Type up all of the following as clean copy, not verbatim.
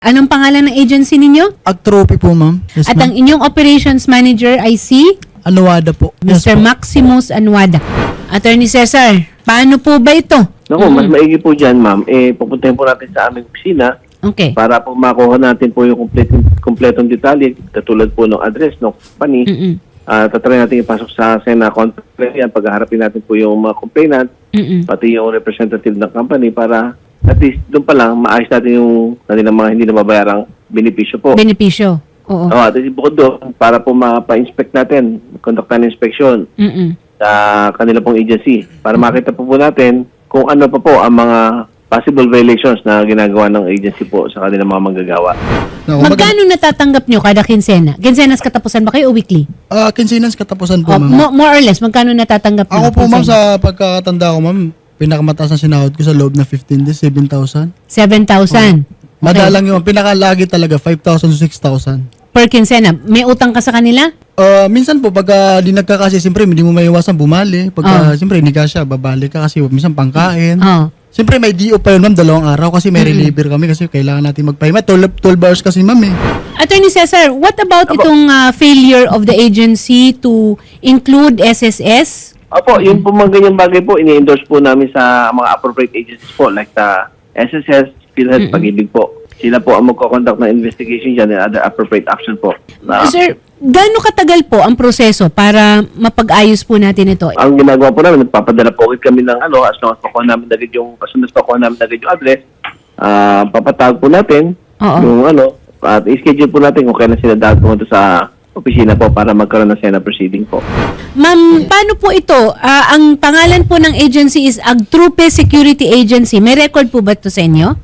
Anong pangalan ng agency ninyo? Agtrophy po, ma'am. Yes, At ang ma'am. inyong operations manager ay si Anuada po. Yes, Mr. po. Maximus Anuada. Attorney Cesar, paano po ba ito? Naku, mas maigi po dyan, ma'am. Pupuntahin po natin sa aming opisina Okay. para po makuha natin po yung kompletong detalye, katulad po ng address ng company. Tatry natin ipasok sa Sena conference yan, paghaharapin natin po yung mga complainant, pati yung representative ng company para at least doon pa lang maayos natin yung kanilang mga hindi na mabayarang benepisyo po. Benepisyo. Oo. At bukod doon, para po mapa-inspect natin, conduct ng inspection sa kanila pong agency para makita po natin kung ano pa po ang mga possible violations na ginagawa ng agency po sa kanilang mga manggagawa. No, Magkano natatanggap nyo kada kinsena? Kinsenas katapusan ba kayo o weekly? Kinsinas katapusan po, O, ma'am. more or less, magkano natatanggap nyo? Ako po, ma'am, Kinsena? sa pagkakatanda ko, ma'am, pinakamataas na sinahod ko sa loob na 15 days, 7,000. 7,000. Madalang yung pinakalagi talaga, 5,000 to 6,000. Per kinsena. May utang ka sa kanila? Minsan po, pagka di nagkakasya, siyempre, hindi mo maiwasan bumali. Pagka, siyempre, hindi ka siya, babali ka kasi minsan pangkain. Oo. Siyempre, may DO pa yun, ma'am, 2 araw kasi may reliever kami kasi kailangan natin magpahinga. 12 hours kasi, ma'am, eh. Attorney Cesar, what about itong failure of the agency to include SSS? Opo, yung po mga ganyang bagay po, ini-endorse po namin sa mga appropriate agencies po like the SSS, PhilHealth, Pag-ibig po. Sila po ang magko-conduct ng investigation dyan and other appropriate action po. Sir, gaano katagal po ang proseso para mapag-ayos po natin ito? Ang ginagawa po namin, nagpapadala po ulit kami ng as long as pakuha namin agad yung, as soon as pakuha namin agad yung address, papatawag po natin yung at i-schedule po natin kung kailan sila dapat pumunta sa opisina po para magkaroon ng Sena proceeding po. Ma'am, paano po ito? Ang pangalan po ng agency is Agtrupe Security Agency. May record po ba ito sa inyo?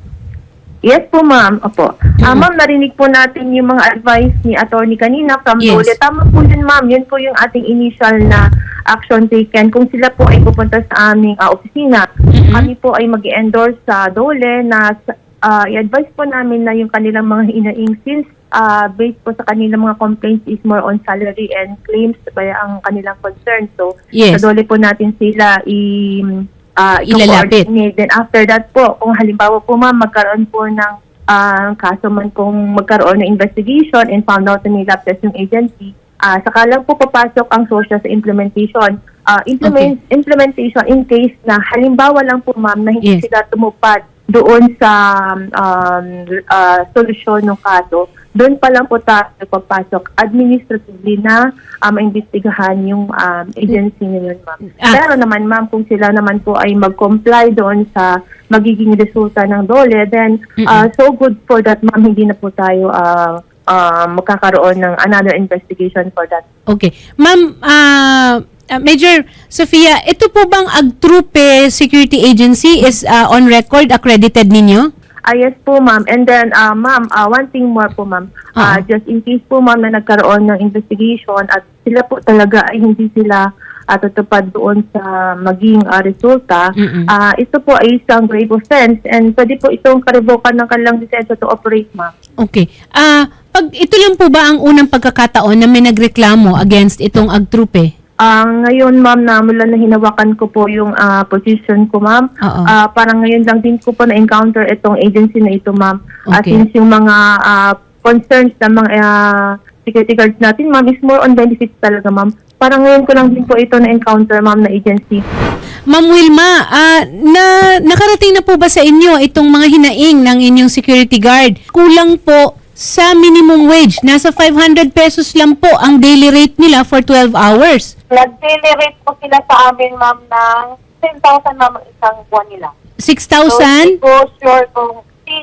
Yes po, ma'am. Opo. Ma'am, narinig po natin yung mga advice ni attorney kanina from Yes. Dole. Tama po yun, ma'am. Yun po yung ating initial na action taken. Kung sila po ay pupunta sa aming opisina, kami po ay mag-endorse sa Dole na i-advise po namin na yung kanilang mga hinaing since based po sa kanilang mga complaints is more on salary and claims kaya ang kanilang concern. So, Yes. sa Dole po natin sila Ilalapit. i-coordinate. Then after that po, kung halimbawa po ma'am, magkaroon po ng kaso man kung magkaroon ng investigation and found out na may lapses yung agency, saka lang po papasok ang social sa implementation. Implementation in case na halimbawa lang po ma'am na hindi Yes. sila tumupad doon sa solusyon ng kaso, doon pa lang po tayo papasok administratively na maimbestigahan yung agency na yun, ma'am. Pero naman, ma'am, kung sila naman po ay mag-comply doon sa magiging resulta ng Dole, then so good for that, ma'am, hindi na po tayo magkakaroon ng another investigation for that. Okay. Ma'am, Major Sofia, ito po bang Agtrupe Security Agency is on record, accredited ninyo? Yes po, ma'am. And then, ma'am, one thing more po, ma'am. Just in case po, ma'am, na nagkaroon ng investigation at sila po talaga ay hindi sila tutupad doon sa maging resulta, ito po ay isang grave offense and pwede po itong karevokan ng kanilang lisensya to operate, ma'am. Okay. Pag ito lang po ba ang unang pagkakataon na may nagreklamo against itong Agtrupe? Ngayon, ma'am, na mula na hinawakan ko po yung position ko, ma'am. Parang ngayon lang din ko po na-encounter itong agency na ito, ma'am. Okay. Since yung mga concerns ng mga security guards natin, ma'am, is more on benefits talaga, ma'am. Parang ngayon ko lang din po ito na-encounter, ma'am, na agency. Ma'am Wilma, nakarating na po ba sa inyo itong mga hinaing ng inyong security guard? Kulang po sa minimum wage. Nasa 500 pesos lang po ang daily rate nila for 12 hours. Nag-daily rate po sila sa amin, ma'am, ng 10,000, ma'am, isang buwan nila. 6,000? So, hindi ko sure kung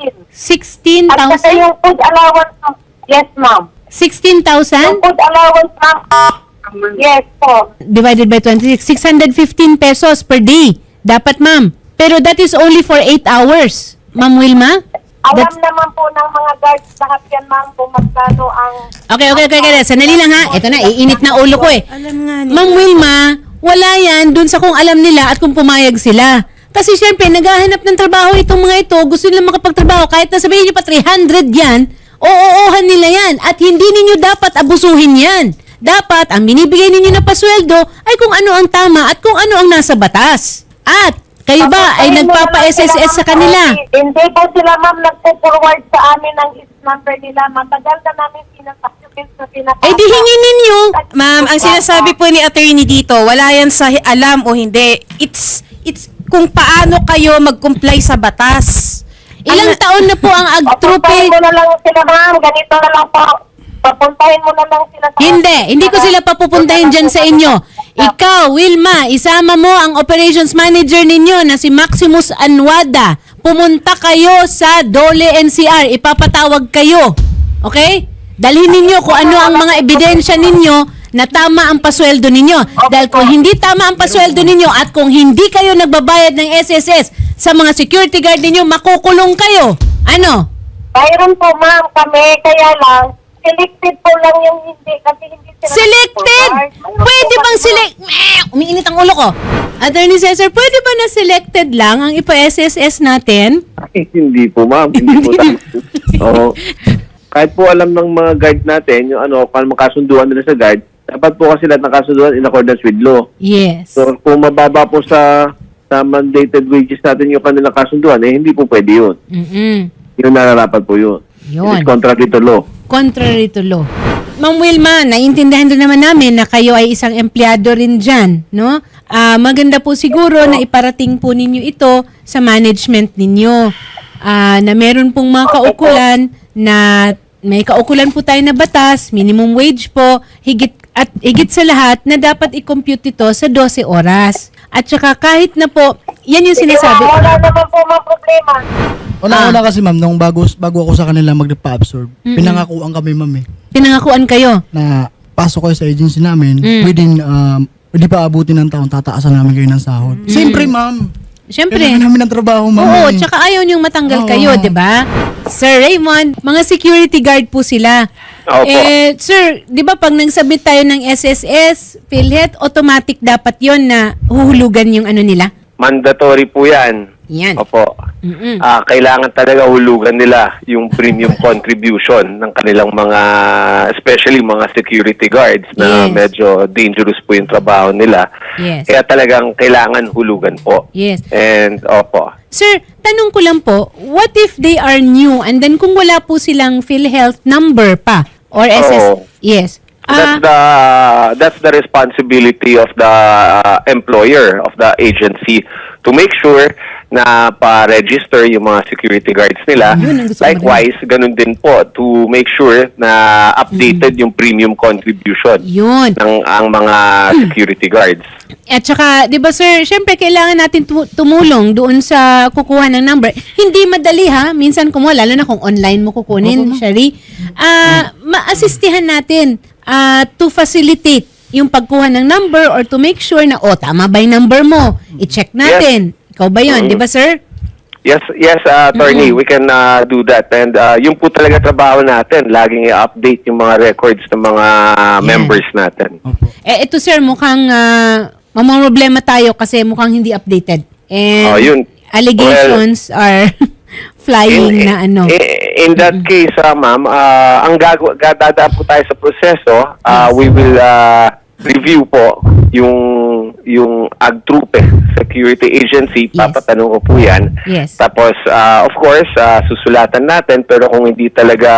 16. At saka 16,000? yung food allowance, ma'am. Yes, ma'am. 16,000? Yung food allowance, ma'am. Yes po. Divided by 26, 615 pesos per day. Dapat, ma'am. Pero that is only for 8 hours. Ma'am Wilma? Alam naman po ng mga guards lahat yan, ma'am, kung magkano ang... Okay. Sandali lang ha. Ito na, iinit na ulo ko eh. Ma'am Wilma, wala yan dun sa kung alam nila at kung pumayag sila. Kasi syempre, naghahanap ng trabaho itong mga ito, gusto nila makapagtrabaho, kahit na sabihin nyo pa 300 yan, oo-ohan nila yan. At hindi ninyo dapat abusuhin yan. Dapat, ang binibigay ninyo na pasweldo ay kung ano ang tama at kung ano ang nasa batas. At Kayo ba ay nagpapa-SSS sa kanila? Hindi po sila, ma'am, nagpo-forward sa amin ang number nila. Matagal na namin pinag-document na pinapasok. Eh di hingin ninyo. Ma'am, ang sinasabi po ni attorney dito, wala yan sa alam o hindi. It's kung paano kayo mag-comply sa batas. Ilang taon na po ang agtrupe? Papuntahin mo na lang sila, ma'am. Ganito na lang po. Papuntahin mo na lang sila sa... Hindi ko sila papupuntahin dyan sa inyo. Ikaw, Wilma, isama mo ang operations manager ninyo na si Maximus Anwada. Pumunta kayo sa Dole NCR. Ipapatawag kayo. Okay? Dalhin ninyo kung ano ang mga ebidensya ninyo na tama ang pasweldo ninyo. Dahil kung hindi tama ang pasweldo ninyo at kung hindi kayo nagbabayad ng SSS sa mga security guard ninyo, makukulong kayo. Ano? Mayroon po, ma'am, kami. Kaya lang, selected po lang yung hindi. Kasi hindi sila... Selected! Pwede bang umiinit ang ulo ko. Attorney Cesar, pwede ba na selected lang ang ipa-SSS natin? Ay, hindi po, ma'am. Hindi po. Oo. Kahit po alam ng mga guard natin, yung kung makasunduan nila sa guard, dapat po kasi lahat nakasunduan in accordance with law. Yes. So, kung mababa po sa mandated wages natin yung kanilang kasunduan, hindi po pwede yun. Yung nararapat po yun. Yun. It is contrary to law. Contrary to law. Ma'am Wilma, naiintindihan din naman namin na kayo ay isang empleyado rin dyan, no? Maganda po siguro na iparating po ninyo ito sa management ninyo. Na meron pong mga kaukulan na may kaukulan po tayo na batas, minimum wage po, higit sa lahat na dapat i-compute ito sa 12 oras. At saka kahit na po, yan yung sinasabi. Wala naman po mga problema. Una kasi ma'am, nung bago ako sa kanila magpa-absorb, pinangakuan kami ma'am Pinangakuan kayo. na pasok kayo sa agency namin, within, hindi pa abutin ng taon, tataasan namin kayo ng sahod. Siyempre ma'am, Siyempre. kailangan namin ng trabaho ma'am. Oo, tsaka ayaw niyong matanggal Oo. kayo, di ba? Sir Raymond, mga security guard po sila. Opo. Sir, di ba pag nagsabit tayo ng SSS, PhilHealth, automatic dapat yon na huhulugan yung ano nila? Mandatory po yan. Yan. Opo. Kailangan talaga hulugan nila yung premium contribution ng kanilang mga, especially mga security guards na Yes. medyo dangerous po yung trabaho nila. Yes. Kaya talagang kailangan hulugan po. Yes. And opo. Sir, tanong ko lang po, what if they are new and then kung wala po silang PhilHealth number pa or SS? Oo. Yes. That's the responsibility of the employer, of the agency, to make sure na pa-register yung mga security guards nila. Yun ang gusto ko Likewise, ganun din po to make sure na updated yung premium contribution Yun. ng ang mga security guards. At saka, di ba sir, syempre kailangan natin tumulong doon sa kukuha ng number. Hindi madali ha, minsan kumuha, lalo na kung online mo kukunin, Shari. Ma-assistihan natin to facilitate yung pagkuha ng number or to make sure na, tama ba yung number mo? I-check natin. Ikaw ba yun, di ba sir? Yes, attorney, we can do that. And yung po talaga trabaho natin, laging i-update yung mga records ng mga members natin. Ito sir, mukhang mamamroblema tayo kasi mukhang hindi updated. And Yun. allegations are flying na ano. In that case, ma'am, ang dadaan po tayo sa proseso, we will review po yung AgTrupe Security Agency, Yes. papatanong ko po yan. Yes. Tapos, of course, susulatan natin, pero kung hindi talaga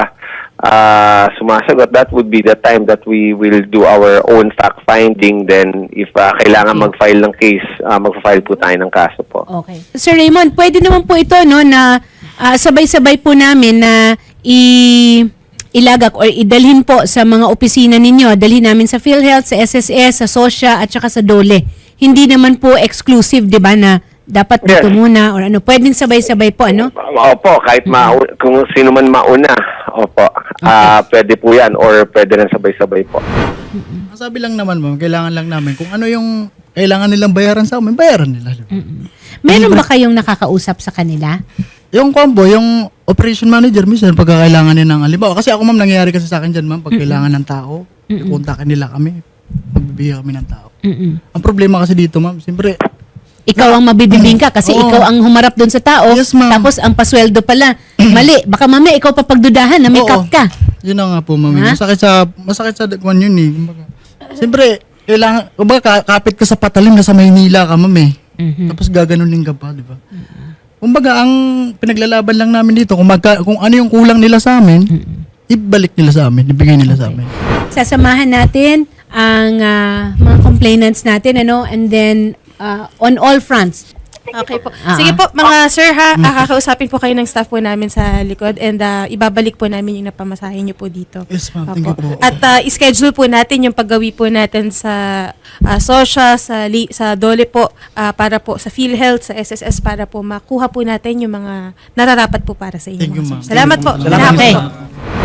sumasagot, that would be the time that we will do our own fact-finding. Then, if kailangan mag-file ng case, mag-file po tayo ng kaso po. Okay. Sir Raymond, pwede naman po ito no na sabay-sabay po namin na ilagak or idalhin po sa mga opisina ninyo. Dalhin namin sa PhilHealth, sa SSS, sa SOSHA at saka sa DOLE. Hindi naman po exclusive, 'di ba, na dapat dito Yes. muna or ano. Pwedeng sabay-sabay po, ano? Opo, kahit kung sino man mauna, opo, pwede po yan or pwede rin sabay-sabay po. Sabi lang naman ma'am, kailangan lang namin kung ano yung kailangan nilang bayaran sa amin, bayaran nila. Meron ba kayong nakakausap sa kanila? Yung combo, yung operation manager, minsan pagkakailangan niya ng halimbawa. Kasi ako ma'am, nangyayari kasi sa akin dyan ma'am, pag kailangan ng tao, kontakin nila kami, magbibigay kami ng tao. Ang problema kasi dito ma'am, siyempre, Ikaw ang mabibibing ka kasi Oo. ikaw ang humarap doon sa tao. Yes, ma'am. Tapos ang pasweldo pala, mali. Baka mamaya ikaw papagdudahan na may Oo. cut ka. Yun na nga po ma'am. Ha? Masakit sa kwan yun eh. Kumbaga, siyempre, kailangan, kumbaga kapit ka sa patalim na sa Maynila ka ma'am eh. Tapos gaganunin ka pa, di ba? Kumbaga, ang pinaglalaban lang namin dito, kung ano yung kulang nila sa amin, ibalik nila sa amin, ibigay nila sa amin. Sasamahan natin ang mga complainants natin, and then on all fronts. Okay po. Sige po, mga sir ha, kakausapin po kayo ng staff po namin sa likod and ibabalik po namin yung napamasahin nyo po dito. Yes, ma'am. Thank you po. At schedule po natin yung paggawi po natin sa SOSHA, sa DOLE po, para po sa PhilHealth, sa SSS, para po makuha po natin yung mga nararapat po para sa inyo. Thank you, mga sir. ma'am. Salamat po. Salamat, Okay. ma'am.